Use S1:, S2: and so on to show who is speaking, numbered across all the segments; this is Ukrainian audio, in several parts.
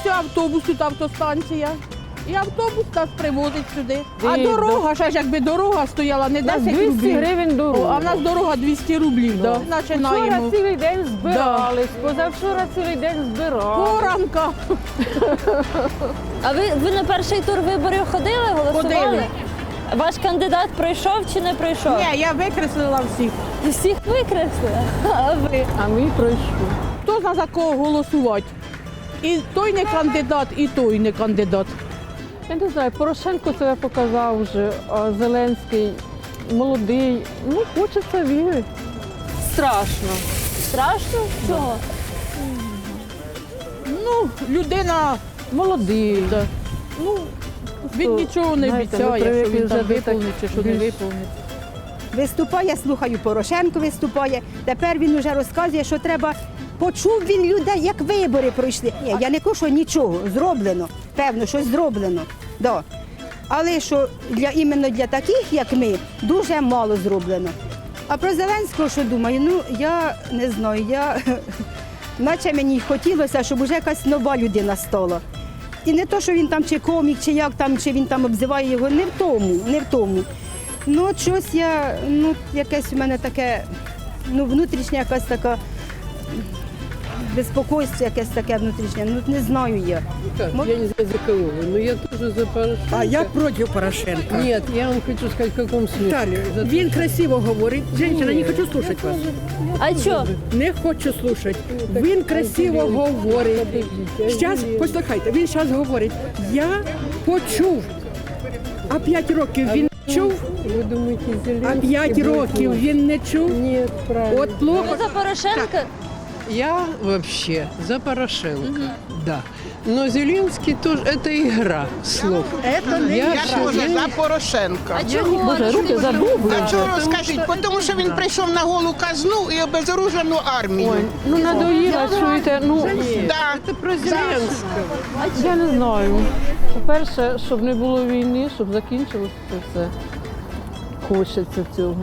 S1: ось автобус, тут автостанція. І автобус нас привозить сюди. А
S2: Ні,
S1: дорога, ще ж якби дорога стояла, не
S2: У нас
S1: 10
S2: 200
S1: рублів.
S2: гривень дорога.
S1: А в нас дорога 200 рублів. Да.
S2: Вчора
S1: Починаємо.
S2: цілий день збирались, позавчора цілий день збирали.
S1: Поранка.
S3: А ви на перший тур виборів ходили, голосували?
S1: Ходили.
S3: Ваш кандидат пройшов чи не пройшов?
S1: Ні, я викреслила всіх.
S3: Всіх викреслили, а ви?
S2: А ми пройшли.
S1: Хто знає, за кого голосувати? І той не кандидат, і той не кандидат.
S2: Я не знаю, Порошенко себе показав вже, а Зеленський молодий. Ну, хочеться вірити. Страшно.
S3: Страшно? Чого?
S1: Ну, людина,
S2: Молодий.
S1: да. Ну, він нічого не
S2: знаєте, ми
S1: обіцяє, що
S2: привикли
S1: він
S2: вже
S1: там
S2: до
S1: виповнить чи що не
S2: більш-
S1: виповнить.
S4: Виступає, слухаю, Порошенко виступає. Тепер він вже розказує, що треба. Почув він людей, як вибори пройшли. Ні, я не кажу, що нічого зроблено. Певно, щось зроблено. Да. Але що іменно для таких, як ми, дуже мало зроблено. А про Зеленського, що думаю, ну я не знаю, наче мені хотілося, щоб вже якась нова людина стала. І не то, що він там чи комік, чи як там, чи він там обзиває його, не в тому. Ну, от щось якесь у мене таке, внутрішня якась така безпокойство, якесь таке внутрішнє, не знаю я.
S5: Как? Я не знаю, за кого вы, но я тоже за Порошенко.
S6: А я проти Порошенка.
S5: Нет, я вам хочу сказать, в каком смысле.
S6: Віталію,
S5: За то,
S6: він
S5: что-
S6: красиво говорить. Женщина, не хочу слухати вас.
S3: А що?
S6: Не хочу слухати. Він красиво говорить.
S5: Подождите,
S6: Зараз, послухайте, він зараз говорить. Я почув. А 5 років він не чув,
S5: Вы думаете,
S6: а
S5: Зеленский
S6: 5
S5: будет
S6: років
S5: лучше?
S6: він не чув.
S5: Нет, правильно.
S6: От плохо.
S3: Ви за Порошенка?
S5: Я вообще за Порошенко, да. Но Зеленский тоже, это игра слов.
S7: Я
S5: вообще-
S7: теж за Порошенка.
S3: А чого?
S2: Боже, руки задубли.
S7: А чого розкажіть? Тому що він прийшов на голу казну і обезоружену армію.
S2: Ой, ну надоїло, чуєте,
S7: Да.
S5: Это про Зеленского.
S2: я не знаю. По-перше, щоб не було війни, щоб закінчилося це все. Хочеться цього.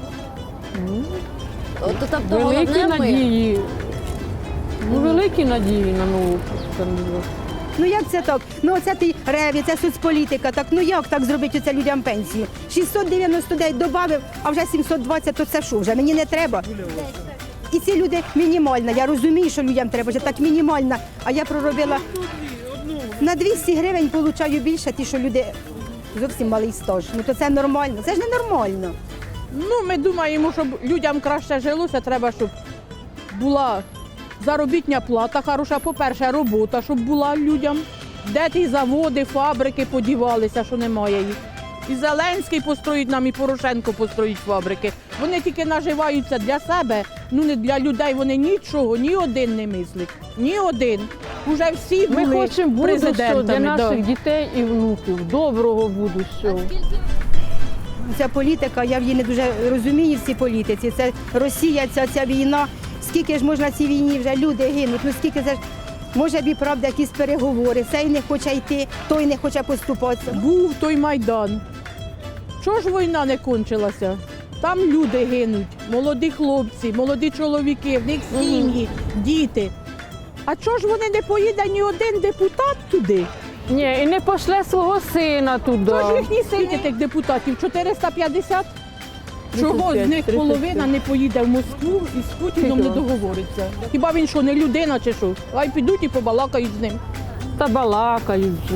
S3: Тобто
S2: Великі
S3: головне ми.
S2: надії. Ну, великі надії на нову кандидатуру.
S4: Ну як це так? Ну оце ти реві, це соцполітика. Так ну як так зробити оце людям пенсію? 699 додав, а вже 720, то це що вже? Мені не треба. І ці люди мінімальна. Я розумію, що людям треба вже так мінімальна. А я проробила на 200 гривень получаю більше, ті, що люди зовсім малий стаж. Ну то це нормально. Це ж не нормально.
S1: Ну, ми думаємо, щоб людям краще жилося, треба, щоб була заробітна плата хороша, по-перше, робота, щоб була людям. Де ті заводи, фабрики подівалися, що немає їх. І Зеленський построїть нам, і Порошенко построїть фабрики. Вони тільки наживаються для себе, ну не для людей. Вони нічого, ні один не мислить. Ні один. Уже всі
S2: Ми
S1: були
S2: хочемо будущого для
S1: президентами.
S2: наших
S1: да.
S2: дітей і внуків, доброго будущого.
S4: Ця політика, я в її не дуже розумію в цій політиці. Це Росія, ця війна. Скільки ж можна цій війні вже люди гинуть? Ну скільки це ж може б і правда якісь переговори. Цей не хоче йти, той не хоче поступатися.
S1: Був той Майдан. Чого ж війна не кончилася? Там люди гинуть, молоді хлопці, молоді чоловіки, в них сім'ї, діти. А чого ж вони не поїде ні один депутат туди?
S2: Ні, і не пошле свого сина туди.
S1: Хто ж їхні сини тих депутатів? 450? Чого з них
S2: 35.
S1: половина не поїде в Москву і з Путіном не
S2: Скільки?
S1: договориться? Хіба він що, не людина чи що? Хай підуть і побалакають з ним.
S2: Та балакають вже.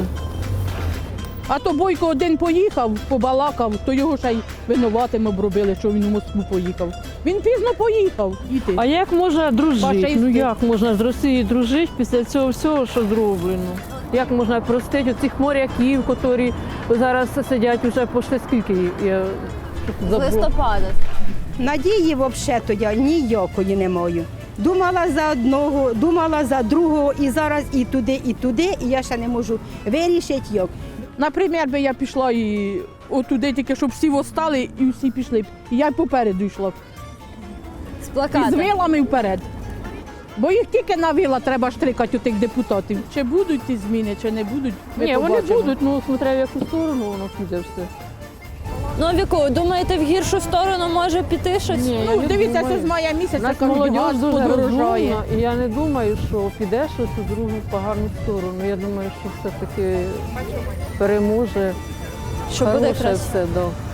S1: А то Бойко один поїхав, побалакав, то його ще й винуватим обробили, що він у Москву поїхав. Він пізно поїхав. Діти.
S2: А як можна дружити?
S1: Фашисти.
S2: Ну як можна з Росією дружити після цього всього, що зроблено? Як можна простити цих моряків, які зараз сидять уже пошли скільки? Я
S3: З
S2: забула.
S3: листопада.
S4: Надії взагалі-то я ніякої не маю. Думала за одного, думала за другого, і зараз і туди, і я ще не можу вирішити як.
S1: Наприклад, би я пішла і отуди тільки, щоб всі встали і всі пішли. І я й попереду йшла.
S3: З
S1: І з
S3: плакатом.
S1: вилами вперед. Бо їх тільки на вила треба штрикати у тих депутатів. Чи будуть ці зміни, чи не будуть, ми
S2: Ні, вони
S1: побачимо.
S2: будуть, ну смотря в яку сторону воно піде все.
S3: Ну, а в яку? Думаєте, в гіршу сторону може піти щось?
S2: Ні, я
S1: Ну,
S2: не
S1: дивіться,
S2: думаю.
S1: що з мая місяця,
S2: Нас
S1: кажуть,
S2: молодь
S1: газ
S2: дуже
S1: подорожає.
S2: розумна, і я не думаю, що піде щось у другу погану сторону. Я думаю, що все-таки переможе.
S3: Що буде
S2: хороше
S3: краще?
S2: все. Да.